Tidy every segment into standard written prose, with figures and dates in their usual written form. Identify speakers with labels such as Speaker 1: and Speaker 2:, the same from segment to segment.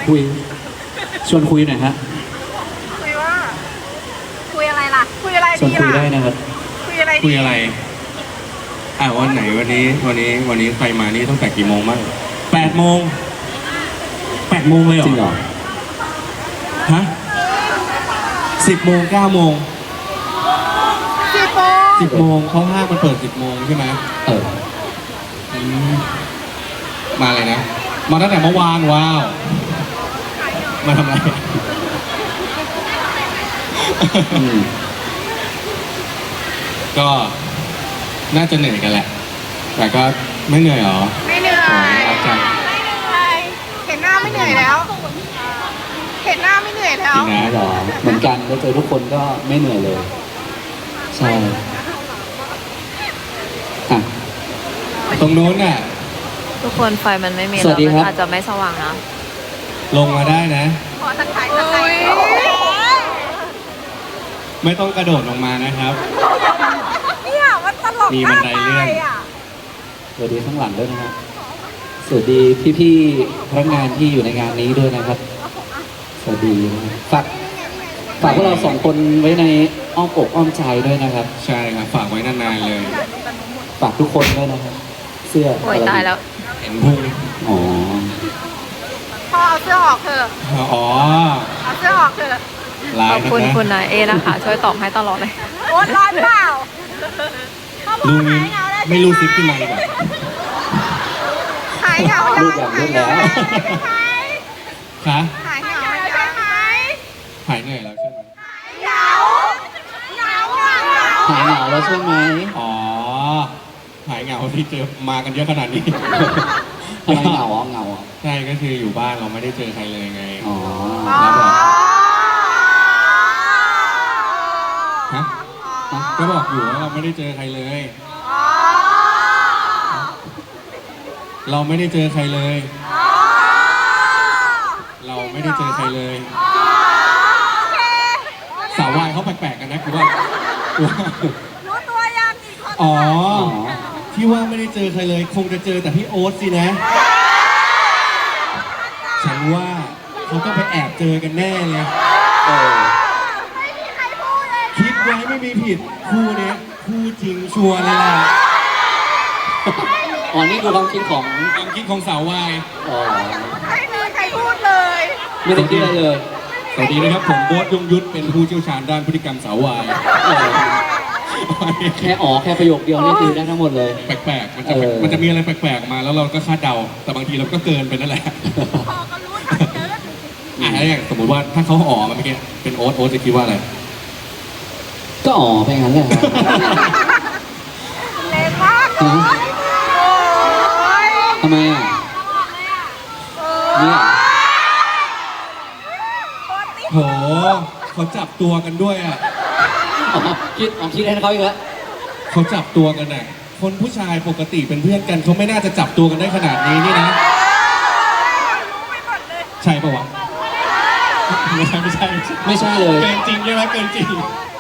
Speaker 1: คุยชวนคุยหน่อยฮะ
Speaker 2: คุยว่า คุยอะไรล่ะ คุยอะไร
Speaker 1: ชวน
Speaker 2: ดี
Speaker 1: คุย
Speaker 2: ล่ะ
Speaker 1: ได้นะครับ
Speaker 2: คุยอะไร
Speaker 3: คุ
Speaker 2: ดี
Speaker 3: ยอะไรวันไหนวันนี้ใครมานี่ตั้งแต่กี่โมงบ้าง8 โมง8 โมงเลยเหรอ
Speaker 1: จริงเหรอ
Speaker 3: ฮะ10 โมง9 โมง
Speaker 2: 10 โมง
Speaker 3: 10 โมงเขาห้างมันเปิด10 โมงใช่ไหม
Speaker 1: เออ
Speaker 3: อืมมาเลยนะมาตั้งแต่เมื่อวานว้าวมาทำอะไร
Speaker 1: อืม
Speaker 3: ก็น่าจะเหนื่อยกันแหละ แต่ก็ไม่เหนื่อยหรอ
Speaker 2: ไม่เหนื่อย
Speaker 3: รักจัง
Speaker 2: ไม่เหนื่อยเห็นหน้าไม่เหนื่อยแล้ว เห็นหน้าไม่เหนื่อยแล้ว
Speaker 3: จริงนะ
Speaker 1: เหรอเหมือนกันได้เจอทุกคนก็ไม่เหนื่อยเลย ใช่อ่ะ
Speaker 3: ตรงนู้นน่ะ
Speaker 4: ทุกคนไฟมันไม่มี
Speaker 1: สวัสดีครับ
Speaker 4: มันอาจจะไม่สว่างนะ
Speaker 3: ลงมาได้นะ
Speaker 2: ขอสักถ่ายสักถ่าย
Speaker 3: ไม่ต้องกระโดดลงมานะครับ
Speaker 2: เนี่ยมันตลก
Speaker 3: มีบันไดเลื่อน
Speaker 2: มากไปะ
Speaker 1: สวัสดีข้างหลังด้วยนะครับ สวัสดีพี่ๆพนักงานที่อยู่ในงานนี้ด้วยนะครับ สวัสดีนะครับฝากพวกเราสองคนไว้ในอ้อมอกอ้อมใจด้วยนะครับ
Speaker 3: ใช่ครับฝากไว้นานๆเลย
Speaker 1: ฝากทุกคนด้วยนะครับ เสื้อ
Speaker 4: โอ้ยตายแล้ว
Speaker 3: เห็นพุง
Speaker 1: อ๋อ
Speaker 2: พอเอาเสื้อออกเถอะ
Speaker 3: อ๋อ
Speaker 2: เอาเสื้อออกเถอะ
Speaker 3: ลา
Speaker 4: ข
Speaker 3: ย
Speaker 4: อบ
Speaker 3: นะ
Speaker 4: คุณ
Speaker 3: นะ
Speaker 4: คุณนายเอนะคะ ช่วยตอบให้ตลอดเลย
Speaker 2: โอ๊ตร้อนเปล่าเขาบอก
Speaker 3: ลุง
Speaker 2: หายเหงาแล้ว
Speaker 3: ไม่รู้ซิปขึ้นมาดีกว่า
Speaker 2: หายเหงา
Speaker 1: รูปอย่างรูปแล้ว
Speaker 3: คะ
Speaker 2: หายเหงาแล้วใช่ไหม
Speaker 3: หายเหนื่อยแล้วใช่ไหม
Speaker 2: เหงาเหงาอ่ะเหงา
Speaker 1: หายเหงาแล้วใช่ไหม
Speaker 3: อ๋อหายเหงาที่เจอมากันเยอะขนาดนี้
Speaker 1: ทำไมเหงาอ่ะเหงาอ่ะ
Speaker 3: ใช่ก็คืออยู่บ้านเราไม่ได้เจอใครเลยไง
Speaker 1: อ๋อ
Speaker 3: แล้วแบบฮะก็บอกอยู่ว่าเราไม่ได้เจอใครเลย เราไม่ได้เจอใครเลย เราไม่ได้เจอใครเลยสาววายเขาแปลกๆกันนะคือว่า
Speaker 2: รู้ตัวยังอีกคน
Speaker 3: อ๋อ
Speaker 1: อ๋อ
Speaker 3: ที่ว่าไม่ได้เจอใครเลย คงจะเจอแต่พี่โอ๊ตสินะ ฉันว่าเขาต้องไปแอบเจอกันแน่เลย
Speaker 1: เออ
Speaker 2: ไม่มีใครพูดเลย
Speaker 3: คิดไว้ไม่มีผิดคู่เนี้ยคู่จริงชัวร์เลยแหละ
Speaker 1: อ๋อนี่คือความคิดของ
Speaker 3: ความคิดของสาววาย
Speaker 1: อ๋อ
Speaker 2: ไม่มีใครพูดเลย
Speaker 1: ไม่ได้คิดอะไรเลย
Speaker 3: สวัสดีนะครับผมโบ๊ทยงยุทธเป็นผู้เชี่ยวชาญด้านพฤติกรรมสาววาย
Speaker 1: เออแค่อ๋อแค่ประโยคเดียวนี่คือได้ทั้งหมดเลย
Speaker 3: แปลกๆมันจะ
Speaker 1: เออ
Speaker 3: มันจะมีอะไรแปลกๆออกมาแล้วเราก็คาดเดา แต่บางทีเราก็เกินไปนั่นแหละ
Speaker 2: พอก็รู้ทันเกิน
Speaker 3: แล้วอย่างสมมติว่าถ้าเขาอ๋อมาเมื่อกี้เป็นโอ๊ตจะคิดว่าอะไร
Speaker 1: ก็อ๋อไปงั้นแหละครับ
Speaker 2: เล็กมากเลยโอ้ย
Speaker 1: ทำไมอ่ะเนี่ย
Speaker 3: โหเขาจับตัวกันด้วยอ่ะ
Speaker 1: อ๋อคิดให้เขาอีกแล้ว
Speaker 3: เขาจับตัวกันอ่ะคนผู้ชายปกติเป็นเพื่อนกันเขาไม่น่าจะจับตัวกันได้ขนาดนี้นี่นะ ใช่ปะวะไม่ใช่
Speaker 1: ไม่ใช่เลย
Speaker 3: เกินจริงใช่ไหมเกินจริง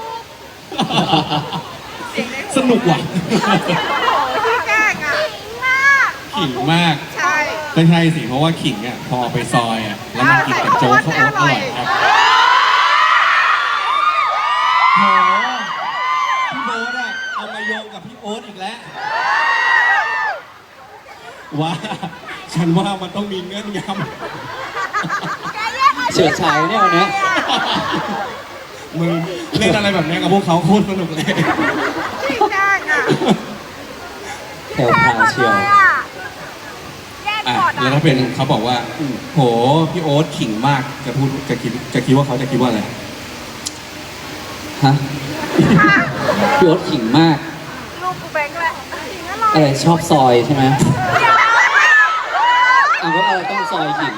Speaker 3: สนุกว่ะ
Speaker 2: พี่แกล้งอ่ะมาก
Speaker 3: ขิงมาก
Speaker 2: ใช่
Speaker 3: ไม่ใช่สิเพราะว่าขิงอ่ะพอเอาไปซอยอ่ะแล้วมันกินกับโจ๊กข้าวโอ๊ตอร่อยครับโหพี่โบ๊ทอ่ะเอามาโยงกับพี่โอ๊ตอีกแล้วว่าฉันว่ามันต้องมีเงื่อนงำ
Speaker 1: เฉิดฉายเนี่ยวันเนี้ย
Speaker 3: มึงเล่นอะไรแบบนี้กับพวกเขาโคตรสนุกเลย
Speaker 2: พี่แกล้งอ่ะ
Speaker 1: แถวพราวเชียว
Speaker 2: แย่ง
Speaker 3: อ่ะ
Speaker 2: ก่อน
Speaker 3: แล้ว
Speaker 2: อ่ะ
Speaker 3: ถ้าเป็นเขาบอกว่า
Speaker 1: อืม
Speaker 3: โหพี่โอ๊ตขิงมากจะคิดว่าเขาจะคิดว่าอะไร
Speaker 1: ฮะพี่โอ๊ตขิงมาก
Speaker 2: ลูกกูแบงค์แหละจริงอร่อย
Speaker 1: อะไรชอบซอยใช่ไหมอ่ะก็อะไรต้องซอยขิง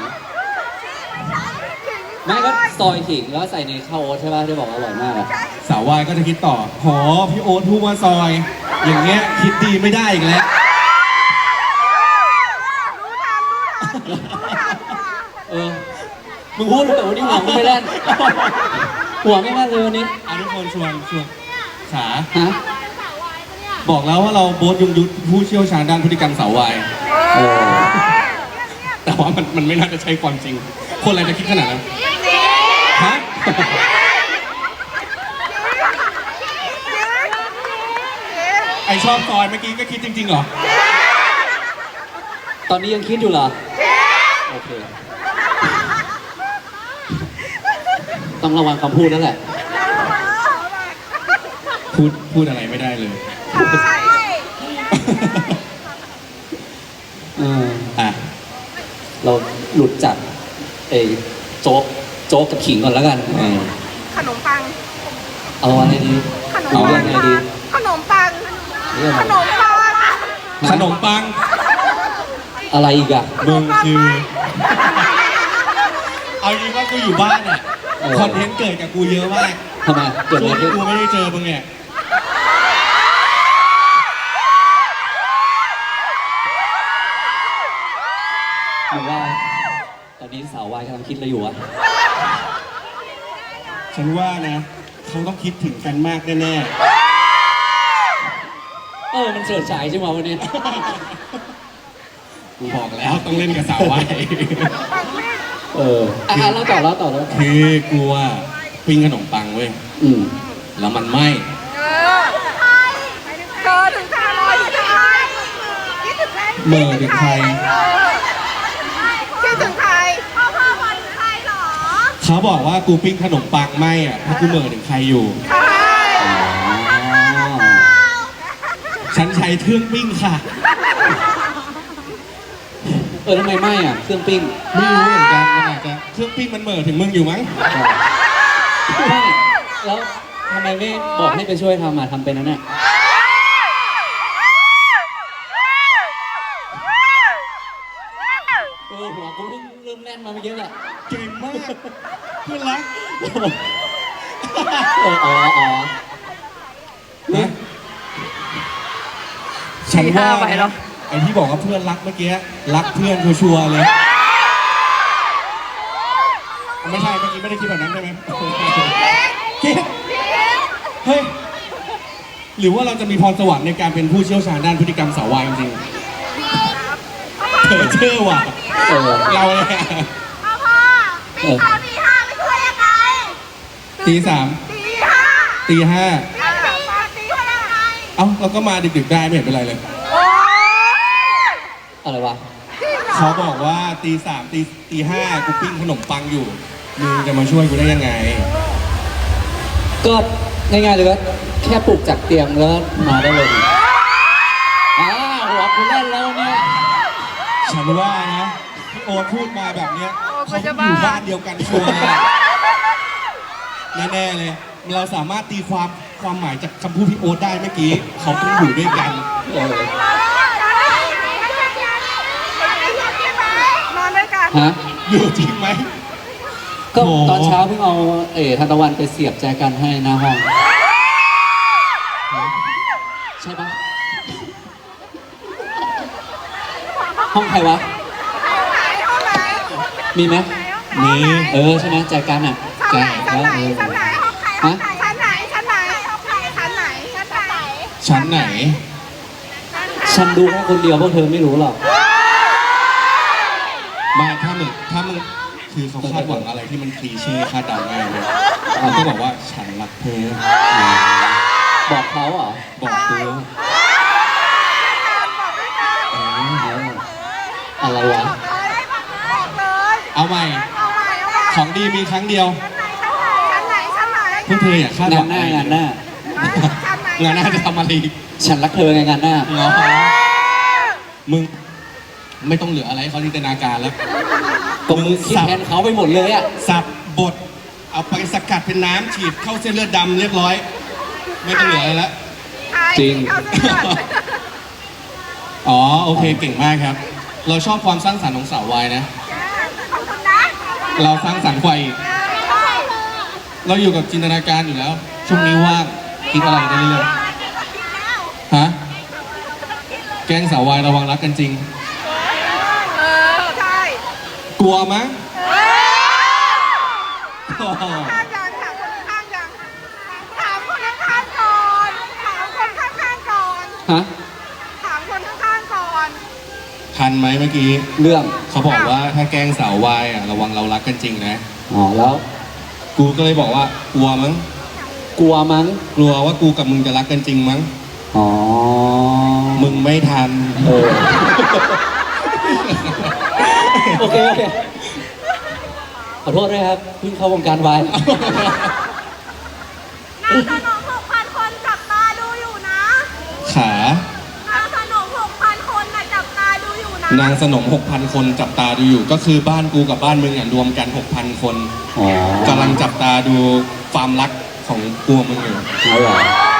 Speaker 1: ไม่ก็ซอยขิงแล้วใส่ในข้าวโอ๊ตใช่ป่ะที่บอกว่าอร่อยมากอะ
Speaker 3: สาววายก็จะคิดต่อโหพี่โอ๊ตพูดว่าซอย อย่างเงี้ยคิดดีไม่ได้อีกแล้ว
Speaker 2: รู้ทันว่ะ
Speaker 1: เออมึงพูดแต่วันนี้หัวไม่แล่นหัวไม่แล่นเลยวันนี้
Speaker 3: อ่ะทุกคนชวนขา
Speaker 1: ฮะ
Speaker 3: บอกแล้วว่าเราโบ๊ทยงยุทธผู้เชี่ยวชาญด้านพฤติกรรมสาววาย
Speaker 1: เออ
Speaker 3: แต่ว่ามันไม่น่าจะใช่ความจริงคนอะไรจะคิดขนาดนั้นฮะ ไอชอบซอยเมื่อกี้ก็คิดจริงๆเหรอ
Speaker 1: ตอนนี้ยังคิดอยู่เหรอ โอเค ต้องระวังคำพูดนั่นแหละ
Speaker 3: พูดอะไรไม่ได้เลย
Speaker 2: ใช่
Speaker 3: อ่ะ
Speaker 1: เราหลุดจากเอโจ๊กกับขิงก่อนแล้วกัน
Speaker 2: ขนมปัง
Speaker 1: เอาอะไรดี
Speaker 2: ขนม
Speaker 1: เอา
Speaker 2: ปั
Speaker 1: เรื่อง งอะไรดี
Speaker 2: ขนมปัง
Speaker 1: เรื่อง
Speaker 2: ข
Speaker 1: อะไร
Speaker 2: นมปัง
Speaker 3: ขนมปัง
Speaker 1: อะไรอีกอะ
Speaker 3: มึงคือ เอาจริงว่ากูอยู่บ้านเนี่ยคอนเทนต์เกิดกับกูเยอะมาก
Speaker 1: ทำไมเกิด
Speaker 3: ช่
Speaker 1: อะ
Speaker 3: ว
Speaker 1: ไรง ขึ้น
Speaker 3: ที่กูไม่ได้เจอมึงเนี่ย
Speaker 1: หรือว่า ตอนนี้สาววายกำลังคิดอะไรอยู่อะ
Speaker 3: ฉันว่านะเขาต้องคิดถึงกันมากแน่
Speaker 1: มันเฉิดฉายใช่ไหมวันนี้
Speaker 3: ๆกูบอกแล้วต้องเล่นกับสาววาย
Speaker 1: เล่าต่อแล้ว
Speaker 3: คือกูว่าปิ้งขนมปังเว้ย
Speaker 1: อืม
Speaker 3: แล้วมันไหม้
Speaker 2: เธอถึงจะอร่อยคิดถึงใครคิดถึงใคร
Speaker 3: เมื่อถึงใคร
Speaker 2: คิดถึงใครพ่อวันใครหรอ
Speaker 3: เขาบอกว่ากูปิ้งขนมปังไหม้อ่ะเพราะกูเหม่อถึงใครอยู่
Speaker 2: ใช่
Speaker 3: ฉันใช้เครื่องปิ้งค่ะ
Speaker 1: ทำไมไม่อะเครื่องปิ้ง
Speaker 3: ไม่รู้เหมือนกันมันอาจจะเครื่องปิ้งมันเหม่อถึงมึงอยู่มั้ง
Speaker 1: ไม่แล้วทำไมไม่บอกให้ไปช่วยทำทำเป็นนั่นน่ะหัวกูเพิ่งเริ่มแน่นมาเมื่อกี้แหละ
Speaker 3: เก่งมากเพื่อนรัก นะฉันว่า
Speaker 4: 4-5 ไปแล้
Speaker 3: นะ
Speaker 4: ว
Speaker 3: ไอ้ที่บอกว่าเพื่อนรักเมื่อกี้รักเพื่อนชัวร์ๆเลย ไม่ใช่เมื่อกี้ไม่ได้คิดแบบนั้นใช่ไหมคิดเฮ้ยหรือว่าเราจะมีพรสวรรค์ในการเป็นผู้เชี่ยวชาญด้านพฤติกรรมสาววายจริงๆเธอเชื่อว่ะเราเลยอะ
Speaker 2: พ่อตีสามตีห้าไม่ช่วยยังไง
Speaker 3: ตีสาม
Speaker 2: ตีห้า
Speaker 3: ตีห้า
Speaker 2: ตีช่วยยังไง
Speaker 3: เอ้าเราก็มาดึกๆได้ไม่เห็นเป็นไรเลย
Speaker 2: โอ้ย
Speaker 1: อะไรวะ
Speaker 3: เขาบอกว่าตีสามตีห้ากูปิ้งขนมปังอยู่มึงจะมาช่วยกูได้ยังไง
Speaker 1: ก็ง่ายๆเลยก็แค่ปลุกจากเตียงแล้วมาได้เลยหัวกูแน่นแล้วเนี่ย
Speaker 3: ฉันว่านะพี่โอ๊ตพูดมาแบบเนี้ย
Speaker 4: โอ๊ต
Speaker 3: เขา
Speaker 4: มันจะ
Speaker 3: อ
Speaker 4: บ้า
Speaker 3: ยู่บ้านเดียวกันชัวร์เลยแน่ๆเลย เราสามารถตีความหมายจากคำพูดพี่โอ๊ตได้เมื่อกี้เขาต้องอยู่ด้วยกัน
Speaker 2: นอนด้วยกัน
Speaker 1: ฮะ
Speaker 3: อยู่จริงไหม
Speaker 1: ก็
Speaker 3: โอ้
Speaker 1: ตอนเช้าเพิ่งเอาทานตะวันไปเสียบแจกันให้หน้าห้อง ใช่ปะห้องใครวะ
Speaker 2: ห้องไหน
Speaker 1: มีไหม
Speaker 3: มี
Speaker 1: ใช่ไหมแจกันอ่ะ
Speaker 2: ชั้นไหน
Speaker 1: แล้ว
Speaker 2: ชั้นไหนห้องใครชั้นไหนชั้นไหนชั้นไหนชั้นไหน
Speaker 3: ชั้นไหน
Speaker 1: ฉันดูแค่คนเดียวพวกเธอไม่รู้หรอก
Speaker 3: ไม่ถ้ามึงคือเขาคาดหวังอะไรที่มันคลีเช่คาดเดาง่ายเลยเขาก็บอกว่าฉันรักเธอ
Speaker 1: บอกเขาเหรอ
Speaker 3: บอกเธอ
Speaker 1: เอออะไรวะ
Speaker 2: บอกเลย
Speaker 3: เอาใหม่
Speaker 2: เอาใหม่เอาใหม่
Speaker 3: ของดีมีครั้งเดียว
Speaker 2: ชั้นไหนชั้นไหน
Speaker 3: พวกเธออย่าคาดห
Speaker 1: งา
Speaker 3: วัน ง
Speaker 1: หน้างานหน้า
Speaker 2: ชั้นไหน
Speaker 3: งานหน้าจะทำอะไรอีก
Speaker 1: ฉันรักเธอไงงานหน้า
Speaker 3: เหรอมึงไม่ต้องเหลืออะไรให้เขาจินตนาการแล้ว
Speaker 1: ก็มึงคิดแทนเขาไปหมดเลยอ่ะ
Speaker 3: สับบดเอาไปสกัดเป็นน้ำฉีดเข้าเส้นเลือดดำเรียบร้อย ไม่ต้องเหลืออะไรแล้ว
Speaker 1: จริง
Speaker 3: อ๋อโอเคเก่งมากครับ เราชอบความสร้างสรรค์ของสาววายนะ
Speaker 2: ขอบคุณนะ
Speaker 3: เราสร้างสรรค์กว่าอีกเราอยู่กับจินตนาการอยู่แล้ว ช่วงนี้ว่างคิดอะไรได้เรื่อยๆฮะแกล้งสาววายระวังรักกันจริง
Speaker 2: ใช่
Speaker 3: กลัวมั้ง
Speaker 2: ข้างยังถามคนข้างยังถามคนข้างก่อนถามคนข้างก่อน
Speaker 1: ฮะ
Speaker 2: ถามคนข้างก่อน
Speaker 3: ถทันไหมเมื่อกี้
Speaker 1: เรื่อง
Speaker 3: เขาบอกว่าถ้าแกล้งสาววายอ่ะระวังเรารักกันจริงนะ
Speaker 1: อ๋อแล้ว
Speaker 3: กูก็เลยบอกว่ากลัวมั้ง
Speaker 1: กลัวมั้ง
Speaker 3: กลัวว่ากูกับมึงจะรักกันจริงมั้ง
Speaker 1: อ๋อ
Speaker 3: มึงไม่ทัน
Speaker 1: เออ โอเคโอเคขอโทษด้วยครับเพิ่งเข้าวงการวาย
Speaker 2: นางสนม6,000 คนจับตาดูอยู่นะ
Speaker 3: ขา
Speaker 2: นางสนม6,000 คนน่ะจับตาดูอยู่นะ
Speaker 3: นางสนม 6,000 คนจับตาดูอยู่ ก็คือบ้านกูกับบ้านมึงอ่ะรวมกัน 6,000 คน
Speaker 1: อ๋อก
Speaker 3: ำลังจับตาดูความรักของกูกับมึงอยู่
Speaker 1: เอาเหรอ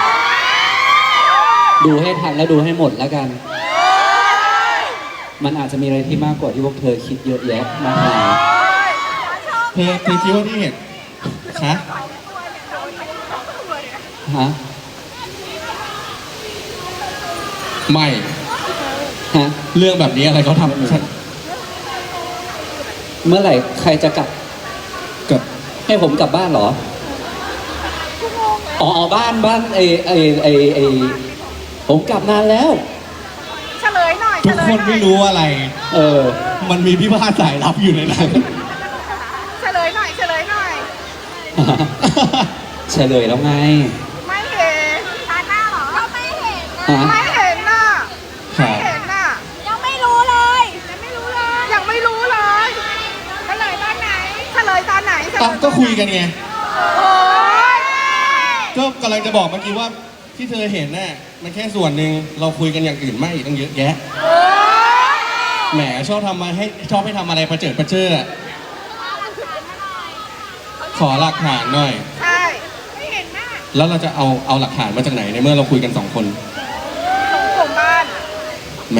Speaker 1: ดูให้ทันแล้วดูให้หมดแล้วกัน มันอาจจะมีอะไรที่มากกว่าที่พวกเธอคิดเยอะแยะมากมาย
Speaker 3: เธอคิดว่าที่เห็นคะ
Speaker 1: ฮะ
Speaker 3: ไม่
Speaker 1: ฮะ
Speaker 3: เรื่องแบบนี้อะไรเขาทำ
Speaker 1: เมื่อไหร่ใครจะกลับ
Speaker 3: กับ
Speaker 1: ให้ผมกลับบ้านเหรอ อ๋อบ้านผมกลับนานแล้ว
Speaker 2: เฉลยหน่อย
Speaker 3: ทุกคนไม่รู้อะไร
Speaker 1: เออ
Speaker 3: มันมีพี่พาสายลับอยู่ในนั้น
Speaker 2: เฉลยหน่อยเฉลยหน่อย
Speaker 1: เฉลยแล้วไง
Speaker 2: ไม่เห็นตาหน้าเหรอก็ไม่เห็น
Speaker 1: ฮะ
Speaker 2: ไม่เห็นน่ะ
Speaker 3: ครั
Speaker 2: ไม่
Speaker 3: บ
Speaker 2: เห็นน่ะยังไม่รู้เลยยังไม่รู้เลยยังไม่รู้เลยเฉลยตอนไหนเฉลยตอนไหนเฉล
Speaker 3: ตอน
Speaker 2: ย
Speaker 3: ก็คุยกันไง
Speaker 2: โอ้ย
Speaker 3: ก็กำลังจะบอกเมื่อกี้ว่าที่เธอเห็นน่ะมันแค่ส่วนหนึ่งเราคุยกันอย่างอื่นมากอีกตั้งเยอะแยะ
Speaker 2: โอ้ย
Speaker 3: แหมชอบให้ทำอะไรประเจิดประเจ้ออะขอหลักฐานหน่อย
Speaker 2: ใช่ไม่เห็นหน้า
Speaker 3: แล้วเราจะเอาหลักฐานมาจากไหนในเมื่อเราคุยกัน2 คน
Speaker 2: ส่งบ้าน
Speaker 3: แม่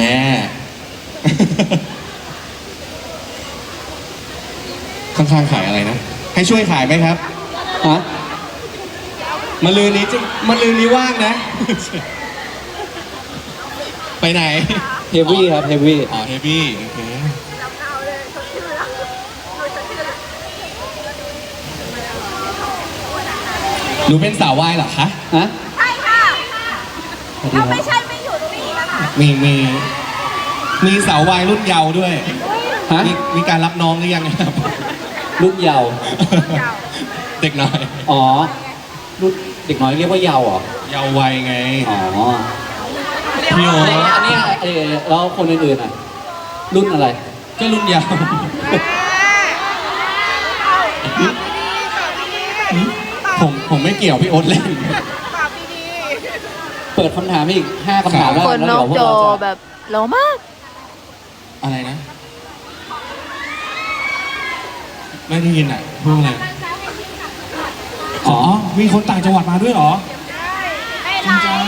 Speaker 3: ข้างๆขายอะไรนะ ให้ช่วยขายไหมครับ
Speaker 1: ฮะ
Speaker 3: มะรืนนี้ว่างนะ ไปไหน
Speaker 1: เฮฟวี่ครับเฮฟวี่
Speaker 3: อ๋อเฮฟวี่โอเค
Speaker 2: จำเอาเลยชดชื่อแล้วดูชดชื่อแล้ว
Speaker 3: หนูเป็นสาววายเหรอคะ
Speaker 1: ฮะ
Speaker 2: ใช่ค่ะ
Speaker 1: สวัสดี
Speaker 2: ถ้า
Speaker 1: ครั
Speaker 2: ไม่
Speaker 1: บ
Speaker 2: ใช่ไม่อยู่ตรงนี้นะคะ
Speaker 3: มีสาววายรุ่นเยาว์ด้วย
Speaker 1: ฮะ
Speaker 3: มีการรับน้องหรือยังครับ
Speaker 1: รุ่นเยาว์
Speaker 3: เด็กน้อย
Speaker 1: อ๋อ รุ่นเด็กน้อยเรียกว่าเยาว์เหรอ
Speaker 3: เยาว์วัยไง
Speaker 1: อ๋อ
Speaker 3: พี่โอ
Speaker 1: อันเนี้ยแล้วคนอื่นๆอ่ะ รุ่นอะไร
Speaker 3: ก็รุ่นเยาว์
Speaker 2: แม่ตอบดีๆตอบดีๆ
Speaker 3: ผมไม่เกี่ยวพี่โอ๊ตเล่น
Speaker 2: ตอบดี
Speaker 1: เปิดคำถามอีก5คำถามแล้ว
Speaker 4: ค
Speaker 1: กัน
Speaker 4: น
Speaker 1: แล้ว
Speaker 4: นอก
Speaker 1: เดี๋ยวพวก
Speaker 4: จอ
Speaker 1: เราจะ
Speaker 4: แบบโลมาก
Speaker 3: อะไรนะ ไม่ได้ยินอ่ะพูดอะไรอ๋อ มีคนต่างจังหวัดมาด้วยเหรอ
Speaker 2: ๆไม่
Speaker 3: จริงจัง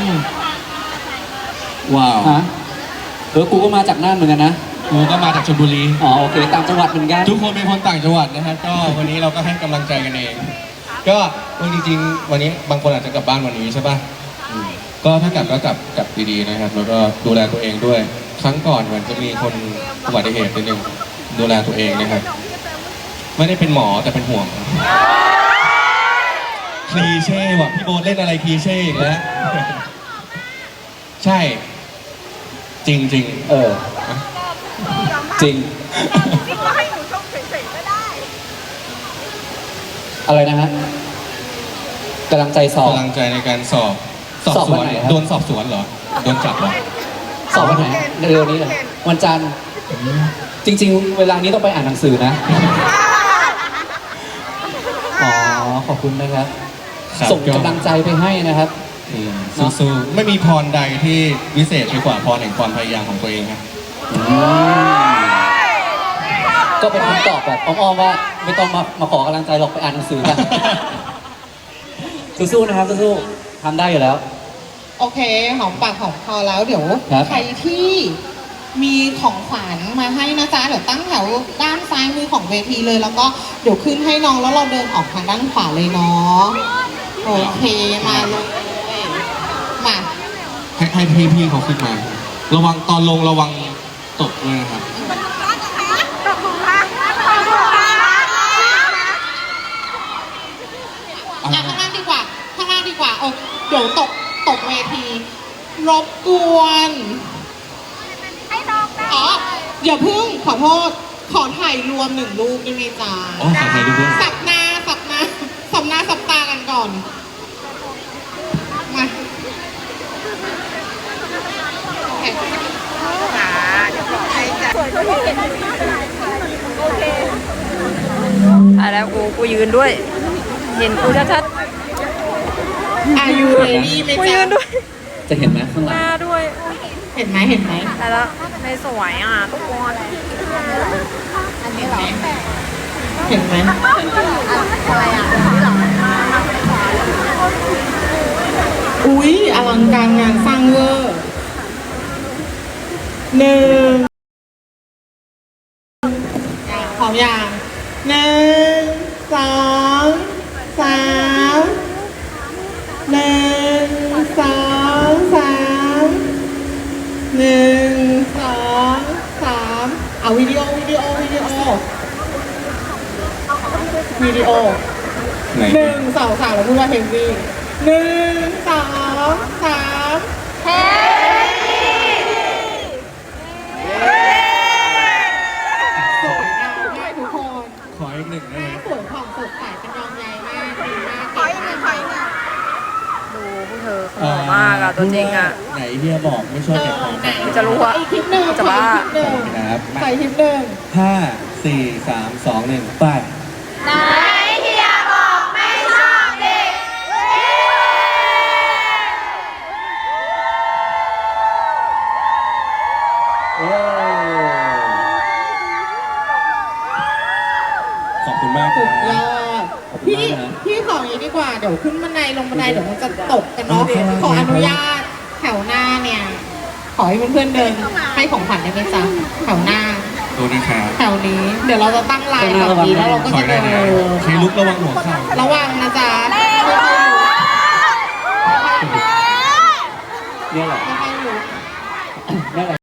Speaker 3: ว้าว
Speaker 1: ฮะกูก็มาจากน่านเหมือนกันนะ
Speaker 3: กูก็มาจากชลบุรี
Speaker 1: อ๋อโอเคต่างจังหวัดเหมือนกัน
Speaker 3: ทุกคนเป็นคนต่างจังหวัดนะครับก็วันนี้เราก็ให้กำลังใจกันเอง ก็จริงๆวันนี้บางคนอาจจะกลับบ้านวันนี้ใช่ป่ะก็ถ้ากลับก็กลับดีๆนะครับ แล้วก็ดูแลตัวเองด้วย ครั้งก่อนเหมือนจะมีคนอุบัติเหตุนิดนึงดูแลตัวเองนะครับ ไม่ได้เป็นหมอแต่เป็นห่วงคลีเช่ว่ะพี่โบ๊ทเล่นอะไรคลีเช่อีกแล้วใช่ จริงๆ
Speaker 1: เออ จริง
Speaker 2: นี่ก็ให้หนูชมเฉยๆก็ได้
Speaker 1: อะไรนะฮะกำลังใจสอบ
Speaker 3: กำลังใจในการสอบ
Speaker 1: สอบ
Speaker 3: ส
Speaker 1: วั
Speaker 3: วน น
Speaker 1: ไหนครับ
Speaker 3: โดนสอบสวนเหรอโดนจับเหรอ
Speaker 1: สอบวันไหนเร็วๆนี้เหรอวันจันทร์จริง ๆ เวลานี้ต้องไปอ่านหนังสือนะ อ๋อ ขอบคุณนะครับ
Speaker 3: ครับ
Speaker 1: ส่งกำลังใจไปให้นะครับ
Speaker 3: สู้ๆไม่มีพรใดที่วิเศษไปกว่าพรแห่งความพยายามของตัวเองครับ
Speaker 1: ก็เป็นคำตอบแบบอ้อมๆว่า ไม่ต้องมาขอกำลังใจหรอกไปอ่านหนังสือกัน สู้ๆนะครับสู้ๆทำได้อยู่แล้ว
Speaker 5: โอเค หอมปากหอมคอแล้วเดี๋ยว
Speaker 1: ครับ
Speaker 5: ใครที่มีของขวัญมาให้นะจ๊ะ เดี๋ยวตั้งแถวด้านซ้ายมือของเวทีเลย แล้วก็เดี๋ยวขึ้นให้น้องแล้วเราเดินออกทางด้านขวาเลยเนาะโอเคมาเลยมา
Speaker 3: ให้พี่เขาขึ้นมา ระวังตอนลงระวังตกด้วยนะครับ
Speaker 2: ตกหลุมรักตกหลุมรัก
Speaker 3: อะไร
Speaker 5: อ่ะ
Speaker 3: นะ
Speaker 5: ข้างล่างดีกว่าข้างล่างดีกว่าเดี๋ยวตกเวที รบกวน
Speaker 2: ให้น้องได้
Speaker 5: อ๋ออย่าเพิ่งขอโทษ ขอถ่ายรวม1 รูปได้ไหมจ๊ะ
Speaker 3: อ๋อขอถ่ายรูปด้วย
Speaker 5: สับหน้าสับหน้าสับตากันก่อน มาโอเค
Speaker 2: ค่ะเดี๋ยวบอกให้จ้ะสวยก็เห็นโอเค
Speaker 4: อ่ะแล้วกูยืนด้วย เห็นกูชัด
Speaker 5: อายุเรดี้ไหม
Speaker 4: ๆกู
Speaker 5: จ๊ะ
Speaker 4: ยืนด้วย
Speaker 1: จะเห็นไหมข้างห
Speaker 4: ห
Speaker 1: ลัง
Speaker 4: น้าด้วย
Speaker 5: เห็นไหมเห็นไหม
Speaker 4: แต่แล้วไม่สวยอ่ะทุกคน
Speaker 5: เห็นไหมเห็นไหม
Speaker 2: อะไรอ่ะนี่หรอ
Speaker 5: อุ๊ยอลังการงานสร้างเวอร์1พร้อมยัง1 2 3 1 2 3 1 2 3เอาวิดีโอไหน
Speaker 3: ไหน
Speaker 5: 1 2 3แล้วพูดว่าเฮฟวี่1 2 3
Speaker 2: เฮ้ย
Speaker 5: สวยงามมากทุกคน
Speaker 3: ขออีกหนึ่งได้ไหม
Speaker 5: สวยผ่องสดใสเป็นยองใยมากดีมาก
Speaker 2: ขออีกหนึ่งขออีกหนึ่ง
Speaker 4: ดูพวกเธอหล่อมากอ่ะตัวจริงอ่ะ
Speaker 3: ไหนเฮียบอกไม่ชอบเก็บของ
Speaker 5: ไหน
Speaker 4: จะรู้อะ
Speaker 5: อีกคลิปหนึ่ง
Speaker 4: จะบ้า
Speaker 5: ขออีกคลิปหนึ่ง
Speaker 3: ครับ
Speaker 5: ใส่คลิปหนึ่ง
Speaker 3: ห้าสี่สามสองหนึ่งไป
Speaker 2: ไหนเฮียบอกไม่ชอบเด็ก
Speaker 1: โอ้
Speaker 3: ขอบคุณมากค
Speaker 5: สุ
Speaker 3: รั
Speaker 5: ดย
Speaker 3: บ
Speaker 5: อด
Speaker 1: ขอบคุณ
Speaker 5: พี่
Speaker 1: มากนะ
Speaker 5: พี่ขออย่างนี้ดีกว่า เดี๋ยวขึ้นบันไดลงบันไดเดี๋ยวมันจะตกกันเนาะ
Speaker 3: โอเค
Speaker 5: ขออนุญาตแถวหน้าเนี่ย ขอให้เพื่อนๆเดินให้ของขวัญได้ไหมจ๊ะแถวหน้า
Speaker 3: ดูนะครับ
Speaker 5: แถวนี้ เดี๋ยวเราจะตั้งไลน์แบบนี้แล้วเราก็
Speaker 3: ขอ
Speaker 5: จะ
Speaker 3: ได้
Speaker 5: เดิ
Speaker 3: นะ
Speaker 5: น
Speaker 3: ใครลุกระวังหัวเข่า
Speaker 5: ระวังนะจ๊ะ
Speaker 1: เนี่ยแหละ
Speaker 5: ค่อยๆลุก
Speaker 1: เนี่ยแหละ